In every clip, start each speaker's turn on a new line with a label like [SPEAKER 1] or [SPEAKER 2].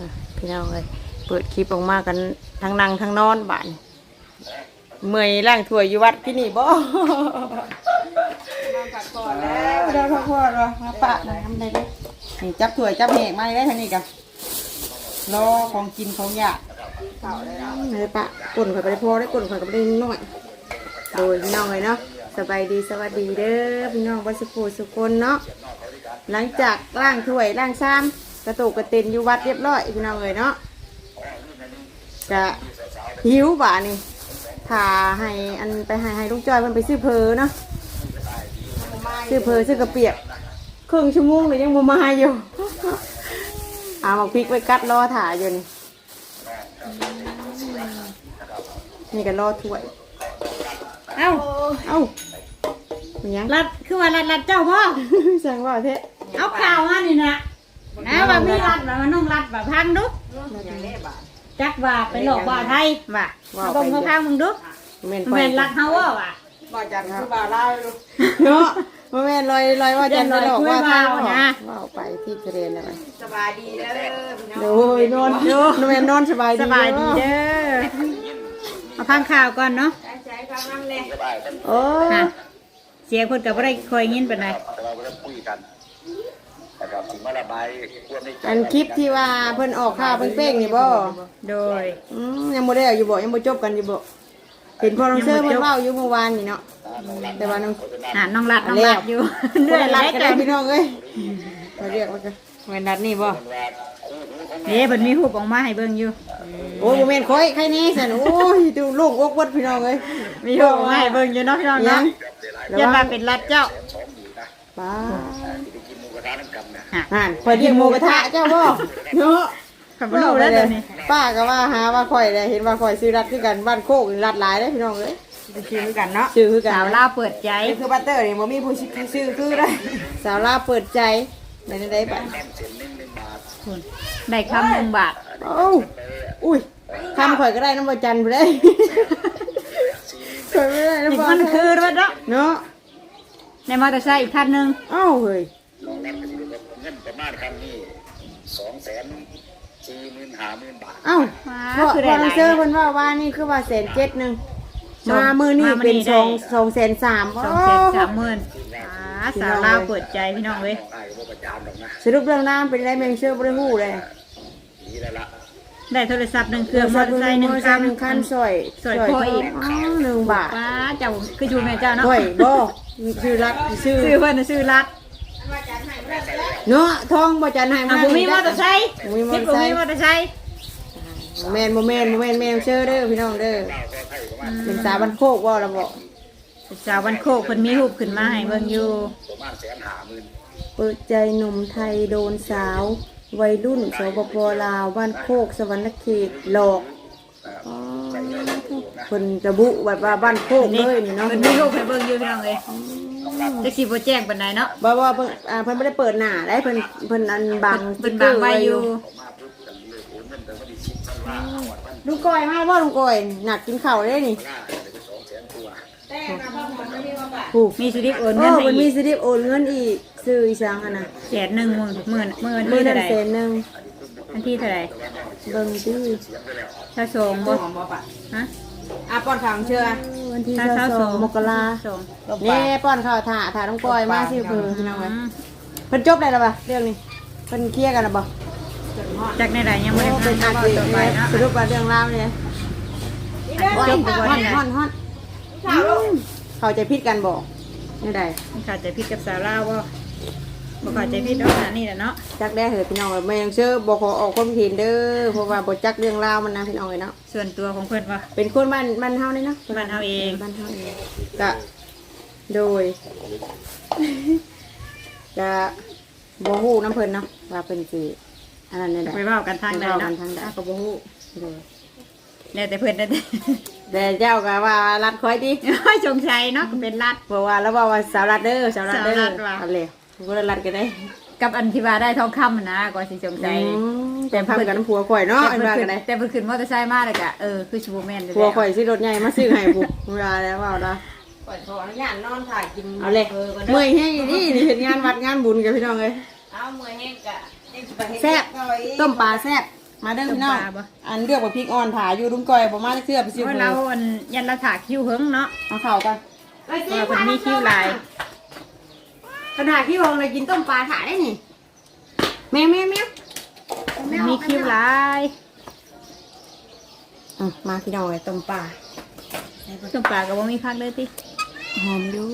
[SPEAKER 1] พี่น้องเลยเปิดคลิปออกมากันทั้งนั่งทั้งนอนบ้านเมื่อยล่างถ้วยอยู่วัดที่นี่บ่พักผ่อนแล้วได้พักผ่อนแล้วมาปะทำได้ไหมนี่จับถ้วยจับแหกมาได้ทางนี้กันรอของกินของอยากเลยปะกลุ่นข่อยไปได้พอได้กลุ่นข่อยก็ไปได้น้อยโดยพี่น้องเลยเนาะสบายดีสวัสดีเด้อพี่น้องวัดสุโขสุคนเนาะหลังจากล้างถ้วยล้างชามกระตุกกระตินอยู่วัดเรียบร้อยพี่น้องเลยเนาะจะหิวบ่านี่ถ่าให้อันไปให้ลูกจอยมันไปซื้อเพอเนาะซื้อเพอซื้อกระเปียกครึ่งชั่วโมงเลยยังบ่มาอยู่เอาหมกพริกไปกัดรอถ่าอยู่นี่นี่ก็รอถ้วยเอ้ายังรัดคือว่ารัดเจ้าพ่อสั่งว่าเทะ
[SPEAKER 2] เอาข่าวมานี่นะว่ามีรัดว่ามันต้องรัดแบบพังดุจักว่าไปหลอกว่าไทยว่าตรงเขาพังมึงดุแม่นรัดเฮาว่
[SPEAKER 1] าจันคือบ่าวลาวเนาะแม่นลอยว่าจันไปหลอกว่าไทยนะว่าไปที่ทะเลนะไปสบายดีเด้อโดยนอนแม่นอนสบายดี
[SPEAKER 2] เด้อเอาพังข่าวก่อนเนาะโอ้เสียงคนกับว่าได้คอยยินเป็นไง
[SPEAKER 1] อันคลิปที่ว่าเพิ่นออกข่าวเพิ่นเป้งนี่บ่
[SPEAKER 2] โดย
[SPEAKER 1] ยังบ่ได้อยู่บ่ยังบ่จบกันอยู่บ่เห็นพอน้องเซอร์เพิ่นเว้าอยู่เมื่อวานนี่เนาะแต่ว่าน้
[SPEAKER 2] องรัดอยู่
[SPEAKER 1] เนื่อยรัดก็ได้พี่น้องเอ้ยเขาเรียกว่าแม่นรัดนี่บ่
[SPEAKER 2] เด้เพิ่นมีรูปออกมาให้เบิ่งอยู่
[SPEAKER 1] โอ้บ่แม่นข่อยใครนี่ซั่นโอ้ยดูลูกอกวัดพี่น้องเอ้ย
[SPEAKER 2] มีรูปออกมาให้เบิ่งอยู่เนาะพี่น้องเนาะอย่ามาเป็นรัดเจ้า
[SPEAKER 1] ป้าข่อยกินหมูกระทะเจ้าบ่เนาะ
[SPEAKER 2] ขับรถแล้วเดี๋ยวนี้
[SPEAKER 1] ป้าก็ว่าหาว่าข่อยเลยเห็นว่าข่อยซื้อรัดคือกันบ้านโคกรัดหลายได้พี่น้องเอ้ยชื่อคือกันเนาะชื่อคือกัน
[SPEAKER 2] สาวลาวเปิดใจ
[SPEAKER 1] คือบัตเตอร์นี่บ่มีผู้ชื่อคือได้สาวลาวเปิดใจได้ไป
[SPEAKER 2] ได้คำ1 บาท
[SPEAKER 1] โอ้อุ้ยคำข่อยก็ได้น้ำบ่จันไปได้ข่อยไม่ได้น้ำบ่
[SPEAKER 2] มันคือรถ
[SPEAKER 1] เนาะ
[SPEAKER 2] ในมอเตอร์ไซค์อีกคันนึง
[SPEAKER 1] อ้าวเฮ้ย
[SPEAKER 3] เงินประมาณคำนี้240,000-50,000 บาท
[SPEAKER 1] อ้าวพอเซอร์เพิ่นว่านี่คือว่า107,000มามือนี่เป็น230,000
[SPEAKER 2] สาวลาวเปิดใจพี่น้องเว้ย
[SPEAKER 1] สรุปเรื่องน้ำเป็นไรแมงเชื่อบ่ได้ฮู้เลย
[SPEAKER 2] ได้โทรศัพท์1 เครื่องมอเตอร์ไซค์1
[SPEAKER 1] คันสอย
[SPEAKER 2] พ่ออีก
[SPEAKER 1] 1 บาท
[SPEAKER 2] ป้าเจ้าคืออยู่แม่เจ้าเนาะ
[SPEAKER 1] บ่ชื่อรัด
[SPEAKER 2] ชื่อเพิ่นชื่อรัด
[SPEAKER 1] เนาะทองบ่จันให้มา
[SPEAKER 2] บ่มีมอเตอร์ไซค์บ่มีมอเตอร์ไซค์
[SPEAKER 1] แม่นแม่เชื่อเด้อพี่น้องเด้อเป็นสาวบ้านโคกว่าล่ะบ่
[SPEAKER 2] สาวบ้านโคกเพิ่นมีรูปขึ้นมาให้เบิ่งอยู่
[SPEAKER 3] ประมาณ150,000
[SPEAKER 1] เปิดใจหนุ่มไทยโดนสาววัยรุ่นสปป.ลาวบ้านโคกสวรรณเขตหลอกคนระบุแบบว่าบ้านโคกเลยนี่เนาะ
[SPEAKER 2] เพิ่นมีรูปให้เบิ่งอยู่พี่น้องเอ้ยจักสิบ่แจ้งปานใดเนาะ
[SPEAKER 1] ว่าเพิ่นบ่ได้เปิดหน้าได้เพิ่นอันบัง
[SPEAKER 2] ไว้อยู่
[SPEAKER 1] ลุงก้อยมาบ่ลุงก้อยหนักกินข้าวได้นี่
[SPEAKER 2] มีสลิปโอนเงินให้
[SPEAKER 1] มันมีสลิปโอนเงินอีกซื้ออีสังอ่ะนะ
[SPEAKER 2] 110,000มื้อ
[SPEAKER 1] ที่เท่าไหร่
[SPEAKER 2] อันที่เท่าไหร่
[SPEAKER 1] เบิ่งซื่อ
[SPEAKER 2] ถ้าส่งบ่ฮะ
[SPEAKER 1] ป้อนข้าวเชื่อวันที่22 มกรานี่ป้อนข้าวถ่าลุงก้อยมาซื้อเพิ่นพี่น้องเอ้ยเพิ่นจบได้แล้วป่ะเรื่องนี้เพิ่นเคลียร์กันแล้วบ่
[SPEAKER 2] จากในไหนยังไม่ได้
[SPEAKER 1] เป็นอาชีพสรุปว่าเรื่องราวเนี่ยจบไปก่อนฮอนเขาใจพิษกันบอกนี่ได้
[SPEAKER 2] เขาใจพิษกับสาวลาวบ่เขาใจพิษเนาะนี่แหละเนาะ
[SPEAKER 1] จักได้เหรอพี่น้องแม่ยังเชื่อบอกขอออกความเห็นเด้อเพราะว่าบทจักเรื่องราวมันนะพี่น้องเลยเนาะ
[SPEAKER 2] ส่วนตัวของเพื่อนว่า
[SPEAKER 1] เป็นคนบ้านเฮานี่เนาะ
[SPEAKER 2] บ้านเฮาเอง
[SPEAKER 1] ก็โดยจะบ่ฮู้น้ำเพิ่นเนาะว่าเป็นสิอันนั้นนี่แหละ
[SPEAKER 2] ไปเว้ากันทางใดเนาะ
[SPEAKER 1] ก็บ่ฮู้
[SPEAKER 2] แล้วแต่เพิ่น
[SPEAKER 1] แต่เจ้าก็ว่ารัดคอยดิ
[SPEAKER 2] สงสัยเนาะเป็นรัด
[SPEAKER 1] เพราะว่าแล้วว่าสาวรัดเด้อสาวรัดเด้อเอาเลยก็รัดกันได้
[SPEAKER 2] กับอันที่ว่าได้ทองคำนะก็สิสงสัย
[SPEAKER 1] แต่พักกันผัวข่อยเนาะอันว่ากันได้
[SPEAKER 2] แต่เพิ่นขึ้นมอเตอร์ไซค์มาแล้วก็คือชูแม่น
[SPEAKER 1] ผัวข่อยสิรถใหญ่มาซื้อให้ปุ๊บเวลาแล้วว่าเนาะ
[SPEAKER 2] ขออนุญาตนอนถ่ายกิน
[SPEAKER 1] เอาเลยเมื่อยแห้งนี่เห็นงานวัดงานบุญกับพี่น้องเลย
[SPEAKER 2] เอาเมื่อยแห้งกะ
[SPEAKER 1] แซ่บต้มปลาแซ่บมาเด้อพี่น้องอันเลือกว่าพริกอ่อนถ่ายอยู่ลุงก้อยบ่มาเสื้อไปซื้อ
[SPEAKER 2] เพราะเราอันยันเราถากคิ้วเฮิงเนาะ
[SPEAKER 1] เอาเข่ากัน
[SPEAKER 2] เราเป็นมีคิ้วลาย
[SPEAKER 1] ขนาดที่วงเลยกินต้มปลาถ่ายได้นี่แมว
[SPEAKER 2] มีคิ้วลาย
[SPEAKER 1] มาพี่น้องเลยต้มปลา
[SPEAKER 2] ต้มปลากับว่ามีพักเลยติ
[SPEAKER 1] หอมอยู่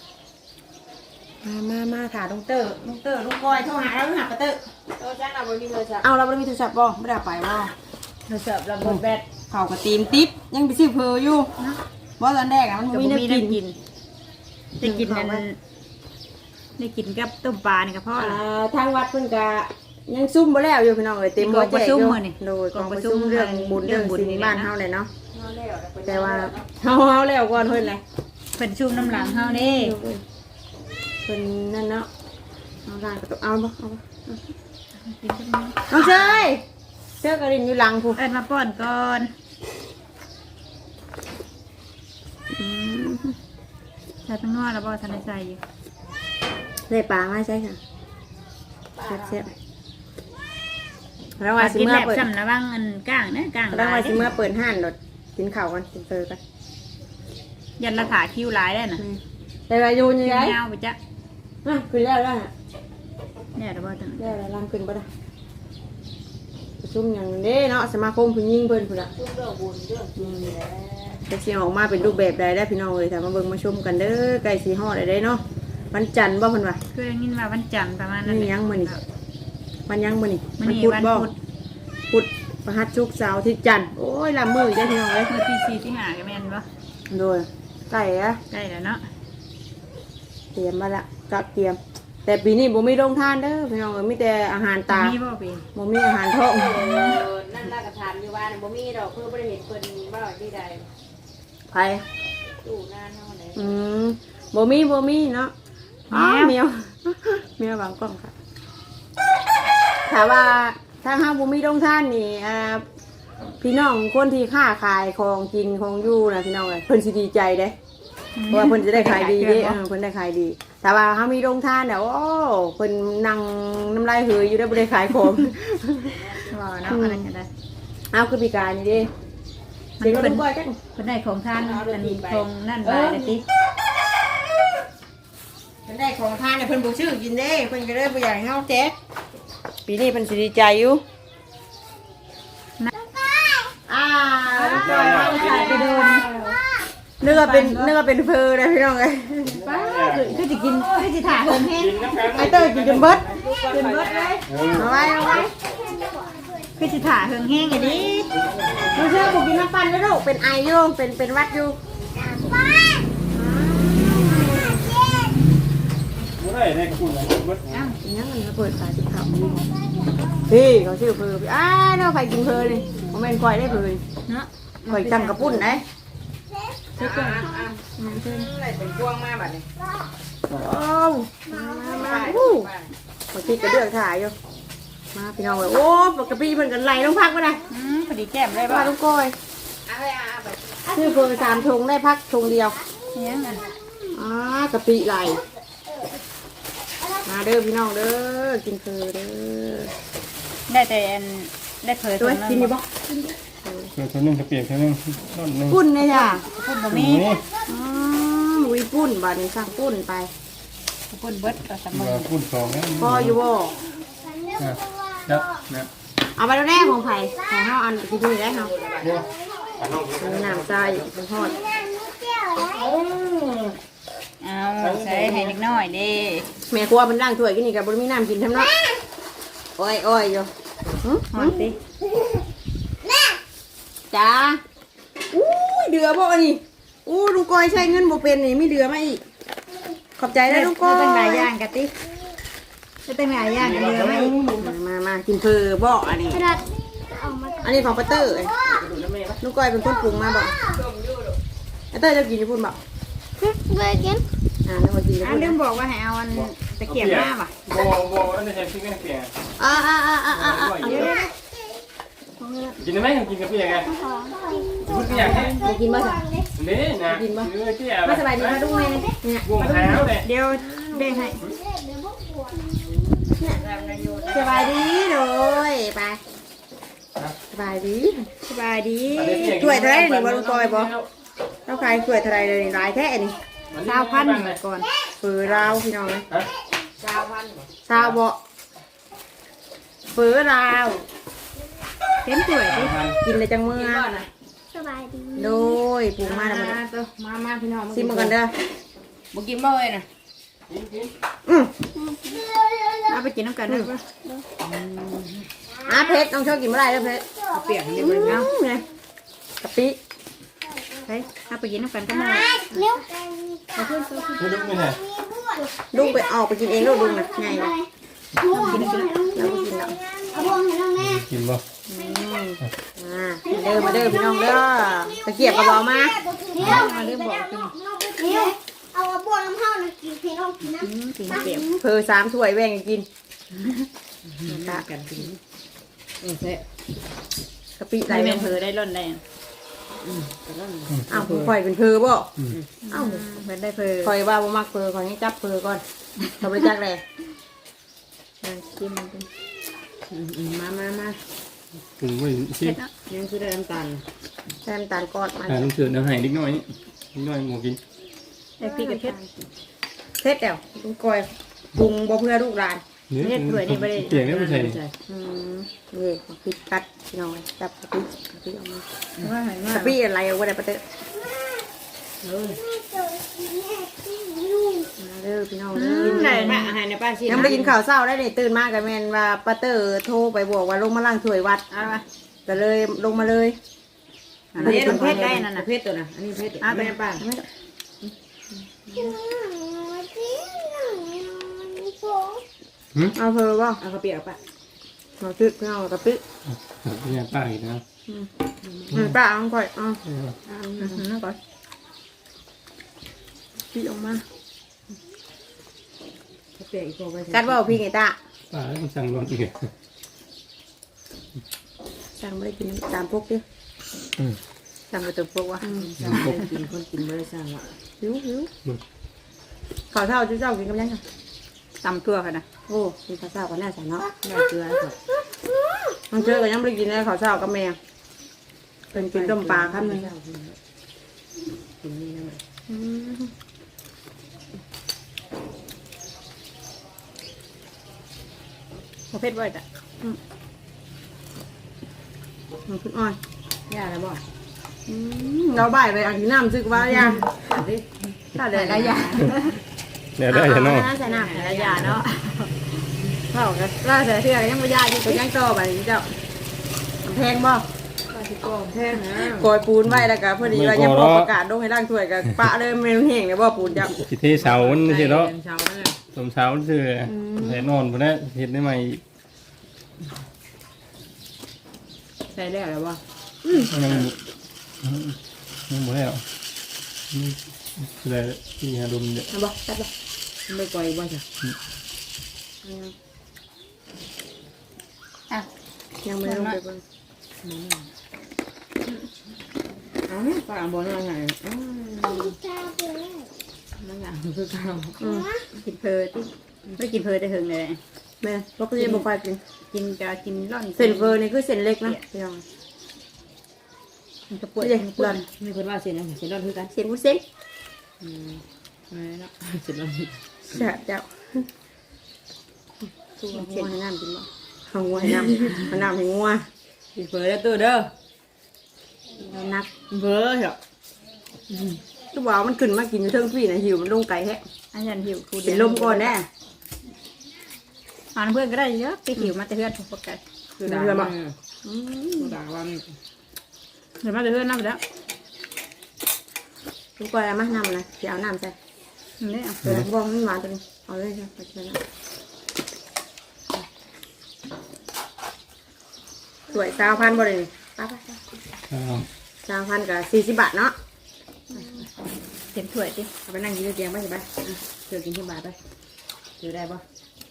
[SPEAKER 1] มาถ่ายลุงเตอร์ลุงก้อยโทรหาเราหาปะเตอร์เอาเราไม่มีโทรศัพท์บ่ไม่ได้ไปบ่
[SPEAKER 2] เราเสิร์ฟเราบดแบด
[SPEAKER 1] เข่ากระตีมติ๊บยังไปซื้อเพออยู่ว่าตอนแรกมัน
[SPEAKER 2] กับ
[SPEAKER 1] มี
[SPEAKER 2] มี
[SPEAKER 1] น้ำ
[SPEAKER 2] ได้
[SPEAKER 1] กิน
[SPEAKER 2] กินได้กินนั่นได้กินกับต้มปลานี่กับพ่อละ
[SPEAKER 1] ทางวัดเพิ่นก็ยังซุ่มบ่แล้วอยู่พี่น้องเอ้ยเต็มบ่แจกอยู่โดยกองประชุมเรื่องบุญเรื่องศีลบ้านเฮาเลยเนาะแต่ว่าเฮาแล้วก่อนเพิ่นเลย
[SPEAKER 2] เป็นชุ่มน้ำหลังเฮานี่
[SPEAKER 1] เพิ่นนั่นเนาะเอาล่างก็ต้องเอาบ่เอาบ่
[SPEAKER 2] กินกัน
[SPEAKER 1] น้องเชยเสื้อกระดิ่งอยู่หลังผู้
[SPEAKER 2] เอิ้นมาป้อนก่อนใส่ตั้งนวดแล้วบ่ทันได้ใส่อยู่
[SPEAKER 1] ได้ปลามาใช่ค่ะแซ่บๆแล้วว่าสิ
[SPEAKER 2] กิน
[SPEAKER 1] เมื่อ
[SPEAKER 2] แบบ
[SPEAKER 1] เปิด
[SPEAKER 2] ซ้ำระวังอันก้างนะก้าง
[SPEAKER 1] แล้ว
[SPEAKER 2] ลา
[SPEAKER 1] ว่าย สิเมื่อเปิดห้านโดดกินข้าวกันกินเฟอกัน
[SPEAKER 2] ยันละถาคิ้วลายได้น่ะ
[SPEAKER 1] แต่ว่าอยู่ยังไง
[SPEAKER 2] ยาวไปจ้ะ
[SPEAKER 1] ขึ้นแล้วฮะ
[SPEAKER 2] เนี่ยเดี๋ยวบ่ถึง
[SPEAKER 1] ได้แล้วล่างขึ้นบ่ได้ประชุมอย่างนี้เนาะสมาคมผู้หญิงเพิ่นพุ่นล่ะจะสิออกมาเป็นรูปแบบใดได้พี่น้องเอ้ยถ้ามาเบิ่งมาชมกันเด้อใกล้สิฮอดได้เนาะวันจันทร์บ่เพิ่นว่า
[SPEAKER 2] คือได้ยินว่าวันจันทร์ประมาณนั้น
[SPEAKER 1] นี่ยังมื้อนี้วันยังมื้อนี้
[SPEAKER 2] มื้อนี้
[SPEAKER 1] พุธ
[SPEAKER 2] วัน
[SPEAKER 1] บ่
[SPEAKER 2] พุธ
[SPEAKER 1] พุธพฤหัสศุกร์เสาร์อาทิตย์จันทร์โอ้ยละมื้ออีกแล้วพี่น้องเอ้ย
[SPEAKER 2] เมื่อที่4ที่5ก็แม่นบ่
[SPEAKER 1] โดยใกล้อะ
[SPEAKER 2] ได้แล้วเนาะ
[SPEAKER 1] เตรียมมาละก็เตรียม แต่ปีนี้บ่มีโรงทานเด้อพี่น้องเอ้ยมีแต่อาหารตา
[SPEAKER 2] มีบ่เป็น
[SPEAKER 1] บ่มีอาหารท้อง
[SPEAKER 4] นั่นล่ะก็ถามอยู่ว่าน่ะบ่มีดอกเพื่อบ่ได้เห็นเพิ่นว่าที่ใด
[SPEAKER 1] ไผ
[SPEAKER 4] ตู้หน้าเฮาไหน
[SPEAKER 1] บ่มีเนาะอ๋อเมียว เมียววางกล้องค่ะถามว่าถ้าเฮาบ่มีโรงทานนี่พี่น้องคนที่ค้าขายของกินของอยู่นะพี่น้องเอ้ยเพิ่นสิดีใจเด้เพราะว่าเพิ่นจะได้ขายดีเด้เพิ่นได้ขายดีแต่ว่าเฮามีโรงทานเนี่ยโอ้เพิ่นนั่งน้ำลายเหยอยู่ได้บ่ได้ขายของ
[SPEAKER 2] ว่าเนาะอะไรก็ได้
[SPEAKER 1] เอาคือปีกายนี่เด้เด็กก็เป็นบ่อยจัง
[SPEAKER 2] เพิ่นได้ของทานอันนี้ของนั่นบายเลยติ
[SPEAKER 1] เพิ่นได้ของทานเนี่ยเพิ่นบ่ซื้อกินเด้เพิ่นก็เลยบ่อยากให้เฮาแจกปีนี้เพิ่นสิดีใจอยู่ไปโดนเนื้อเป็นเพอเลยพี่น้องเอ้ย
[SPEAKER 2] ป้าคือสิกินคือสิถ่าเฮิงแห้ง
[SPEAKER 1] ไอเต้ยกินจนเบิด
[SPEAKER 2] กินเบิดเลย
[SPEAKER 1] เอาไว้
[SPEAKER 2] คือสิถ่าเฮิงแห้งไอ้ดิ
[SPEAKER 1] ดูเชื่อผมกินน้ำปั่นแล้วลูกเป็นไออยู่เป็นวัดอยู่
[SPEAKER 5] บ่ได้ได้คุณนะเบิด
[SPEAKER 2] อ้าว
[SPEAKER 1] เนี่ยมันเปิดฝาจิบเขาพี่เขาชื่อเพอเนาะใครกินเพอเลยผมเป็นควายได้เพอ
[SPEAKER 2] เนาะ
[SPEAKER 1] ควายจังกระปุ่นได้
[SPEAKER 4] อะไรเป็นพวงมาบัดนี้
[SPEAKER 1] โอ้มาพอคิดกระเดือกถ่ายอยู่มาพี่น้องเลยโอ้ปกติเพิ่นกันไหลลงพักมาได้
[SPEAKER 2] พอดีแก้มได้
[SPEAKER 1] มา
[SPEAKER 2] ป่ะ
[SPEAKER 1] ลูกก้อย
[SPEAKER 4] เอาไปเอาไป
[SPEAKER 1] ชื่อเพอ3ถุงได้พักถุงเดียว
[SPEAKER 2] เนี่ยน่ะ
[SPEAKER 1] กะปิไหลมาเด้อพี่น้องเด้อกินเพอเด้อ
[SPEAKER 2] ได้แต่อันได้เผย
[SPEAKER 1] ด้วยกินอยู่บ่
[SPEAKER 5] เดี๋ยวตัวนึงจะเปลี่ยนตัวนึงต้นนึง
[SPEAKER 1] ปุ้นเลยจ้ะ
[SPEAKER 2] พุ่นบ่มี
[SPEAKER 5] นี่
[SPEAKER 1] วิปุ้นบาดนี้สั่งปุ้นไป
[SPEAKER 2] พุ่นเบิดก็สม
[SPEAKER 5] ว่าพูดสองนะ
[SPEAKER 1] พออยู่บ่
[SPEAKER 5] ครับนะ
[SPEAKER 1] เอาไปแล้วแน่ของไผ่ของเฮาอันที่นี่ได้เฮา
[SPEAKER 5] บ่อันน้อง
[SPEAKER 1] น้ำใจเป็นทอด
[SPEAKER 2] เอาใส่ให้เล็กน้อยเด้
[SPEAKER 1] แม่ครัวเพิ่นล้างถ้วยกินนี่ก็บ่มีน้ำกินทำเนาะอ้อยอยู่หึ
[SPEAKER 2] ฮอนสิ
[SPEAKER 1] จ้าอู้ยเดือบ่อันนี้อู้ลุงก้อยใช้เงินบ่เป็นนี่มีเดือมาอีกขอบใจนะลุงก้อย
[SPEAKER 2] ตั้งหลายอย่างกะติตั้งหลายอย่างกันเยอะไหม
[SPEAKER 1] มากินเพอบ่อันนี้อันนี้ของปาเตอร์ลุงก้อยเป็นคนปรุงมาบ่ปาเตอร์จะกินญี่ปุ่นบ่เลยกินแล้วมากินญี่
[SPEAKER 2] อัน
[SPEAKER 1] ปุ่น
[SPEAKER 2] ลืมบอกว่าให้เอาอันตะเกียบมาป่ะ
[SPEAKER 5] บ่อันนี้ใช้พริกกันเปลี่ยน กินได้ไหมกินกับพี่ยังไงพูดพี่ยังไง
[SPEAKER 1] มากินบ่จ้ะ
[SPEAKER 5] นี่นะที่แอบ
[SPEAKER 1] มาสบายดีมาดูแม่เนี่ย
[SPEAKER 5] วงหาวเลย
[SPEAKER 2] เดี๋ยวเบ่งให้
[SPEAKER 1] สบายดีเลยไปบายดี
[SPEAKER 2] สบายดี
[SPEAKER 1] ถ้วยเท่าไรนี่บ่ลุงปอยบ่เราขายถ้วยเท่าไรเลยหลายแท้นี่
[SPEAKER 2] 20,000ก่อน
[SPEAKER 1] ฝือเราพี่น้องเลย
[SPEAKER 4] ชาวพันธุ์
[SPEAKER 1] ซาวบ่ฝือเรา
[SPEAKER 2] เต็มถ้วยดิ
[SPEAKER 1] กินเลยจังเมื่อ
[SPEAKER 6] สบายดี
[SPEAKER 1] โดยปรุงมาแล้ว
[SPEAKER 4] มาพี่น้อง
[SPEAKER 1] ซิมกันเด้อ
[SPEAKER 4] บ่กินบ่เอ้ยน่ะ
[SPEAKER 2] เอาไปกินน้ำกันเด้อ
[SPEAKER 1] เพชรต้องชอบกินเมื่อไรเด้อเพชร
[SPEAKER 4] เปียกนี่บ่ได้
[SPEAKER 1] ไงกะปิ
[SPEAKER 2] ไปเอาไปกินน้ำกันก็มา
[SPEAKER 6] เร็ว
[SPEAKER 5] ไม่ลุกไม่ไหน
[SPEAKER 1] ลุงไปออกไปกินเองลูกลุงนะไงวะ
[SPEAKER 6] บ่วงให้น้องแม่เอาบ่วงให้น้องแม่
[SPEAKER 5] กินบ่
[SPEAKER 1] มาเด้อพี่น้องเด้อตะเกียบกระบอกมา
[SPEAKER 6] เร็วมาเร็วบอกกินเร็วเอาบ่วงน้ำเฮาน่ะกินให้น้องกินนะ
[SPEAKER 2] กินเปียก
[SPEAKER 1] เพอ3ถ้วยแบ่งกันกิน
[SPEAKER 4] ตากันกินเซ่
[SPEAKER 1] กะปิไหล
[SPEAKER 2] ได้
[SPEAKER 1] แม่
[SPEAKER 2] แม่นเผลอได้ร่นได้
[SPEAKER 1] อ้าวข่อยเป็นเพอบ่อ้าว
[SPEAKER 2] เพิ่นได้เผลอ
[SPEAKER 1] ข่อยว่าบ่มักเพอข่อยให้จับเพอก่อนทำไปจักเลย
[SPEAKER 2] กินมันเป็น
[SPEAKER 4] มา
[SPEAKER 5] ปรุงไว้ชิ
[SPEAKER 2] เผ็ดเนาะ
[SPEAKER 4] ยังคือได้น้ำตาล
[SPEAKER 1] แซมตาลก้อนมา
[SPEAKER 5] น้ำเสือน้ำหายนิดหน่อยนิดหน่อยหมูกิน
[SPEAKER 2] ได้พริกกับเผ็ด
[SPEAKER 1] เผ็ดแล้วลุงก้อยปรุงบ่เพื่อลูกหลาน
[SPEAKER 5] เปลี่ยนได้ไม่ใช่
[SPEAKER 1] นี่พริกกัดพี่น้องจับกะปิออกมา
[SPEAKER 2] ว่าหายมาก
[SPEAKER 1] กะปิอะไรเอาไว้ได้ปะเต้มาเด้อพี่น้องเด้อ
[SPEAKER 2] ได้
[SPEAKER 4] มา
[SPEAKER 2] นะ
[SPEAKER 4] อาหารในป้าสิ
[SPEAKER 1] ยังไม่ได้กินข้าวเช้าได้เนี่ยตื่นมากับแมนว่าป้าเตอร์โทรไปบอกว่าลงมาล้างถ้วยวัด
[SPEAKER 2] เอามา
[SPEAKER 1] ก็เลยลงมาเลย
[SPEAKER 2] อันนี้เป็นเผ็ดได้นั่นน่ะ
[SPEAKER 4] เพชรตัวน่ะอันนี้เพชรแม่ป้า
[SPEAKER 1] เอาเพอบ่
[SPEAKER 4] เอาข้าวเปียกป้า
[SPEAKER 1] มาตึกพี่น้องกะปิ
[SPEAKER 5] เนี่ยป้าอีกนะ
[SPEAKER 1] ป้าเอาก่อยเอา
[SPEAKER 2] นั่นก่อน
[SPEAKER 1] พี่ออกมา
[SPEAKER 4] ข้าวเปียกอีกพอไป
[SPEAKER 1] กัดว่าพี่ไงตา
[SPEAKER 5] ป้าต้องสั่งร้อนอีก
[SPEAKER 1] สั่งไม่ได้กินตามพวกดิ
[SPEAKER 2] สั่งไปตัวพวกว่า
[SPEAKER 4] กินคนกินไม่ได้สร้างอ่ะ
[SPEAKER 1] หิวข้าวเช้าเจ้ากินกับยังไง
[SPEAKER 2] ตำทั่วค่ะนะ
[SPEAKER 1] โอ้กินข้าวเช้ากันแน่สันเนาะ
[SPEAKER 4] ได้เกลือครับ
[SPEAKER 1] มันเจอกันยังไม่ได้กินเลยข้าวเช้ากับแม่เป็นกินต้มปลาครับนึง
[SPEAKER 4] กินนี่นะ
[SPEAKER 2] เผ็ดบ่อยจ้ะ
[SPEAKER 1] มันขึ้นอ้อย
[SPEAKER 4] ย่าแล้วบ่
[SPEAKER 1] เราบ่ายไปเอาที่น้ำซึกว่ายัง
[SPEAKER 4] ดิ
[SPEAKER 1] ถ้าเดินระยะ
[SPEAKER 5] เนี่ยได้จะนอก
[SPEAKER 1] ใส่น้ำ
[SPEAKER 2] ระยะเนาะ
[SPEAKER 1] เข้ากันล่าเสือเสือยังไม่ยากอยู่ก็ยังต่อไปเจ้าแพงบ่
[SPEAKER 4] ป้าที่กองแท่งนะ
[SPEAKER 1] กอยปูนไว้แล้วก็พอดีว่ายังพอประกาศลงให้ร่างถ้วยกับปะเลยเมนูแห้งเลยบ่ปูนจ้ะ
[SPEAKER 5] สิเทเสานี่สิเนาะ
[SPEAKER 4] เช้านั่นแหละ
[SPEAKER 5] สมเสาเสือแต่นอนพวกนี้เห็นได้ไหม
[SPEAKER 4] ใส่ได้แล้วบ่
[SPEAKER 5] ยังหมดแล้วอะไรที่หาดมเนี่ย
[SPEAKER 1] เอาบ่จัดบ่
[SPEAKER 4] ไม่ปล่อยบ่จ้ะ
[SPEAKER 2] อ่ะ
[SPEAKER 1] ยังไม่ลงไปเบิ่ง
[SPEAKER 4] เอาป้าบ่นั่งไงนั่งไงคือเก่า
[SPEAKER 2] กินเพลที่ไม่กินเพลแต่หึงเลย
[SPEAKER 1] แม่บ่เคยบ่ค่อยกิน
[SPEAKER 2] กินจะกินร่อน
[SPEAKER 1] เส้นเฟอร์นี่คือเส้นเล็กนะพี่น้อง
[SPEAKER 2] มันจะปวด
[SPEAKER 1] เส้นร้อน
[SPEAKER 4] มีคนว่าเสียนะเสียร้อนคือกัน
[SPEAKER 1] เส้นวุ้นเส้น
[SPEAKER 4] ไม่เนาะเสียร้อน
[SPEAKER 1] แซ่บเจ้าตัวงัวให้น้ำกินบ่เอางัวให้น้ำเอาน้ำให้งัว
[SPEAKER 4] กินเฟอแล้วตัวเด้อ
[SPEAKER 1] แล้วนัก
[SPEAKER 4] เฟอเหรอ
[SPEAKER 1] ทุกว่ามันขึ้นมากินอยู่เทิงพี่น่ะหิวมันลงไก่แท้
[SPEAKER 2] อันยันหิวคู
[SPEAKER 1] เป็นลมก่อนแน่
[SPEAKER 2] อ่านเพื่อนก็ได้เยอะไปหิวมาแต่เพื่อนปกติ
[SPEAKER 4] คือด่าว่าด่าว่า
[SPEAKER 2] เดี๋ยวมาแต่เพื่อนน้ำแล้ว
[SPEAKER 1] ทุกคนเอามาน้ำนะเดี๋ยวเอาน้ำใส่
[SPEAKER 2] นี่อ่ะ
[SPEAKER 1] เดี๋ยวบอกมันหวานตัวนี้เอาเลยจ้ะไปเชิญนะสวย20,000บ่ได้นี่ไป20,000กับ40 บาทเนาะ
[SPEAKER 2] เต็มถ้วยดิ
[SPEAKER 4] เอาไปนั่งกินเตียงไปสิไปเธอกินที่บาทไปเธอได้ปะ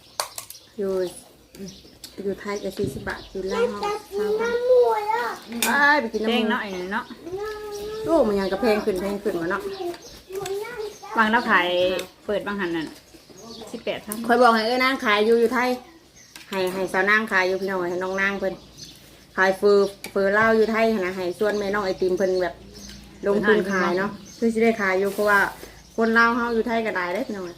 [SPEAKER 1] อยู่ไทยกับ40 บาทอยู่ลาวเฮาไปกิน
[SPEAKER 2] แป้ง
[SPEAKER 1] น้ำ
[SPEAKER 2] เนาะไอ้เนาะ
[SPEAKER 1] โอ้มันยังกระเพงขึ้นมาเนาะ
[SPEAKER 2] บางแล้วขายเปิดบางหันนั่น18,000
[SPEAKER 1] คอยบอกให้นางขายอยู่ไทยให้สาวนางขายอยู่พี่น้องให้น้องนางเพิ่นขายเฟอร์เล่าวอยู่ไทยหั่นนะให้ส่วนแม่น้องไอติมเพิ่นแบบลงทุนขายเนาะคือสิได้ขายอยู่เพราะว่าคนลาวเฮาอยู่ไทยก็ได้เด้พี่น้อง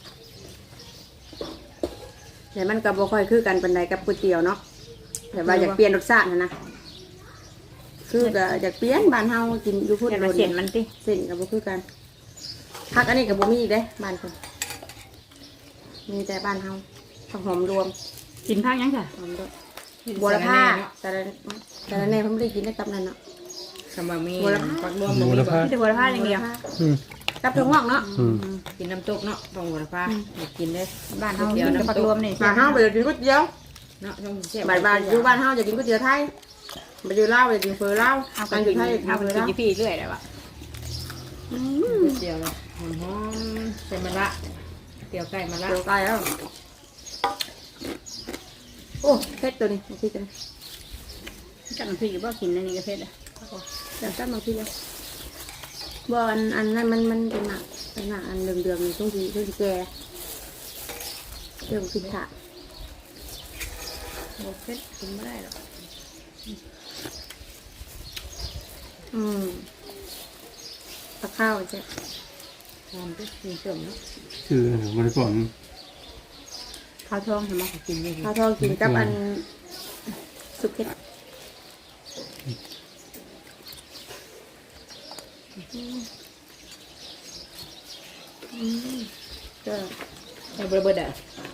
[SPEAKER 1] แต่มันก็บ่ค่อยคือกันปานใดกับก๋วยเตี๋ยวเนาะแต่ว่าอยากเปลี่ยนรสชาตินะคือก็อยากเปลี่ยนบ้านเฮากินอยู่พุ่น
[SPEAKER 2] เดี๋ยวมาเสียนมันติ
[SPEAKER 1] เส้นก็บ่คือกันผักอันนี้ก็บ่มีอีกเด้บ้านเพิ่นมีแต่บ้านเฮาผักหอมรวม
[SPEAKER 2] กินข้าวยังจ้ะ
[SPEAKER 1] หอมรวมบัวละผ้าแต่ละแน่เพิ่นบ่ได้กินได้ตับนั่นเนาะ
[SPEAKER 4] คำว่ามี
[SPEAKER 1] บัวละผ้า
[SPEAKER 4] ปักรวม
[SPEAKER 5] ดูแล้วพา
[SPEAKER 2] มีแต่บัวละพาอย่างเดียว
[SPEAKER 1] กับถั่วงอกเนาะ
[SPEAKER 4] กินน้ำตกเนาะต้องบัวละพากินได้
[SPEAKER 2] บ้านเฮากินแต่ผักรวมนี่
[SPEAKER 1] บ้านเฮาไปกินก๋วยเตี๋ยว
[SPEAKER 4] เนาะต้องเสีย
[SPEAKER 1] บ้านอยู่บ้านเฮาจะกินก๋วยเตี๋ยวไทยไปอยู่ลาวไปกินเฟอลาว
[SPEAKER 2] เอาไป
[SPEAKER 1] การอ
[SPEAKER 2] กิ
[SPEAKER 1] ยู่
[SPEAKER 2] น
[SPEAKER 1] ไทย
[SPEAKER 2] เอาไป
[SPEAKER 1] เฟอ
[SPEAKER 2] กิน
[SPEAKER 1] ลาว
[SPEAKER 2] ที่พี่เรื่อยเลยว่ะ
[SPEAKER 4] เดียวเลยหอมๆใส่มะระเตี๋ยวไก่มะระ
[SPEAKER 1] เดี๋ยวไกลแล้วโอ้เผ็ดตัวนี้มาพี่กัน
[SPEAKER 2] จังพี่บ่กินอันนี้ก็เผ็ดอ่ะ
[SPEAKER 1] เดี๋ยวตั้งมาพี่เลยบ่อันนั้นมันเป็นหนักอันเดือมๆนี่ต้องสีแก่เรื่องกินถ่า
[SPEAKER 4] บ่เผ็ดกินไม่ได้หรอก
[SPEAKER 1] ตะข้าวใช่
[SPEAKER 4] หอมก็กินเติมเนาะ
[SPEAKER 5] คือบริก่อน
[SPEAKER 2] ข้าวทองใช่ไหม
[SPEAKER 4] กินได้ดี
[SPEAKER 1] ข้าวทองกินกับอันสุกเผ็ดก็
[SPEAKER 4] ใส่เบิดอ่ะ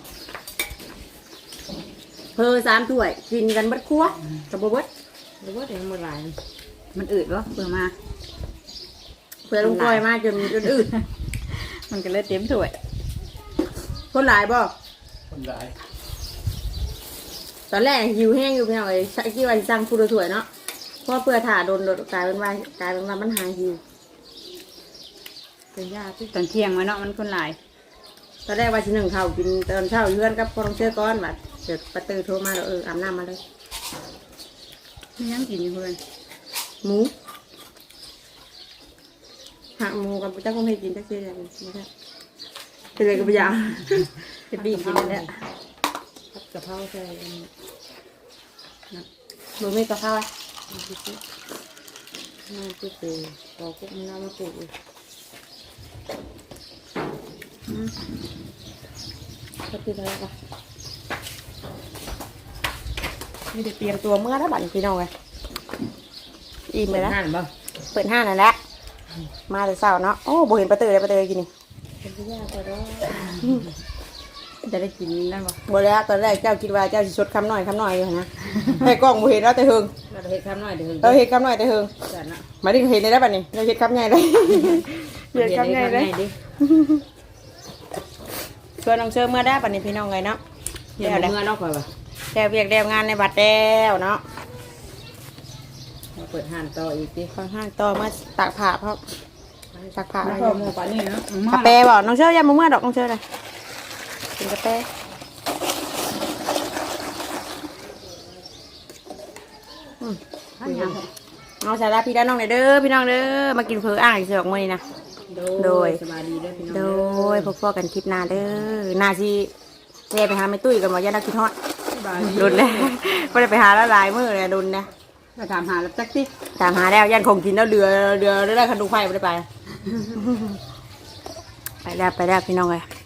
[SPEAKER 1] เพอ3 ถ้วยกินกันเบัดครัวกับบ่เบิด
[SPEAKER 4] หรือว่าเดี๋ยวมันหลาย
[SPEAKER 2] มันอืดวะเปิดมา
[SPEAKER 1] เพื่อลุงก้อยมาจนอืด
[SPEAKER 2] มันก็เลยเต็มถ้วย
[SPEAKER 1] คนหลายบ่
[SPEAKER 5] คนหลาย
[SPEAKER 1] ตอนแรกหิวแห้งอยู่เพียงเลยคิดว่าสิสั่งฟูดถ้วยเนาะเพราะเพื่อถ่าโดนกลายเป็นว่ามันหายหิว
[SPEAKER 4] เป็นยาที่
[SPEAKER 2] ตอนเที่ยงไว้เนาะมันคนหลาย
[SPEAKER 1] ตอนแรกว่าสิ1ข้าวกินตอนเช้าอยู่เพื่อนกับพ่อน้องเชื่อก้อนบัดเดี๋ยวประตูโทรมาแล้วอาบน้ำมาเลย
[SPEAKER 2] ไม่ยังกินอยู่เพื่อน
[SPEAKER 1] หมูหักหมูกับเจ้าคงให้กินจักเสียอย่างนี้ไม่ใช่เป็นไรกับยา
[SPEAKER 2] จะบีบกินนั่นแหละ
[SPEAKER 4] ผัดกะเพราใส่
[SPEAKER 1] หมูไม่กะเพรา
[SPEAKER 4] น้ำพริกน้ำพริกเปื่อยปอกกุ้งน้ำมะกรูด
[SPEAKER 1] ก็คืออะไรปะนี่เดี๋ยวเตรียมตัวเมื่อแล้วบัดนี้พี่น้องไงอิ่มไปแล้ว
[SPEAKER 4] หั่นบ่
[SPEAKER 1] เปิดห้างนั่นแหละมาแต่เช้าเนาะโอ้บ่เห็นประตูเลยประตูกินนี่
[SPEAKER 4] เป็นยาก็ได้
[SPEAKER 2] จะได้กินนั่นบ่
[SPEAKER 1] บ่แล้วตอนแรกเจ้าคิดว่าเจ้าสิชดคำหน่อยอยู่นะให้กล้องบ่เห็นแล้วแต่เฮิง
[SPEAKER 4] เราเฮ็ดทำหน่อยเดี๋ยว
[SPEAKER 1] เราเห็นคำหน่อยแต่เฮิง
[SPEAKER 4] จัดนะ
[SPEAKER 1] มาดิเห็นได้บัดนี้เราเห็นคำใหญ่เลยเห็นคำใหญ่เลย
[SPEAKER 4] ดิ
[SPEAKER 1] ชวนน้องเชื่อเมื่อได้บัดนี้พี่น้องไงเนาะ
[SPEAKER 4] เดี๋ยวเมื่อเนาะก่อนว่ะ
[SPEAKER 1] แล้วเวียกแล้วงานในบัดแล้วเนาะ
[SPEAKER 4] มาเปิดห่านต่ออีกดิ
[SPEAKER 1] ค่อนข้างต่อมาตากผ้าเพราะตากผ้า
[SPEAKER 2] แล้
[SPEAKER 1] อะ
[SPEAKER 2] ว
[SPEAKER 1] ไร
[SPEAKER 2] ก็หมูปลานี่เนาะ
[SPEAKER 1] กาแฟบอกน้องเชื่อยังมาเมื่อดอกน้องเชื่อเลยกินกาแฟ
[SPEAKER 2] อันยัง
[SPEAKER 1] เอาสาระพี่ด้านน้องหน่อยเด้อพี่น้องเด้อมากินเผืออ่างอีกสองมื้อนี้นะ โดย
[SPEAKER 4] สบายดีด้วยพี่น้อง
[SPEAKER 1] โดยพบกันคลิปหน้าเด้อหน้าที่แซ่ไปหาแม่ตุ้ยกันบ่ย่านักคิดฮอด
[SPEAKER 2] สบาย
[SPEAKER 1] ดุนเลยบ่ได้ไปหาแล้วหลายมื้อเลยดุนนะ
[SPEAKER 2] มาถามหาแล้วจักติ
[SPEAKER 1] ตามหาแล้วย่านคงกินแล้วเรือได้คันดูไฟบ่ได้ไป ไปแล้วพี่น้องเอ้ย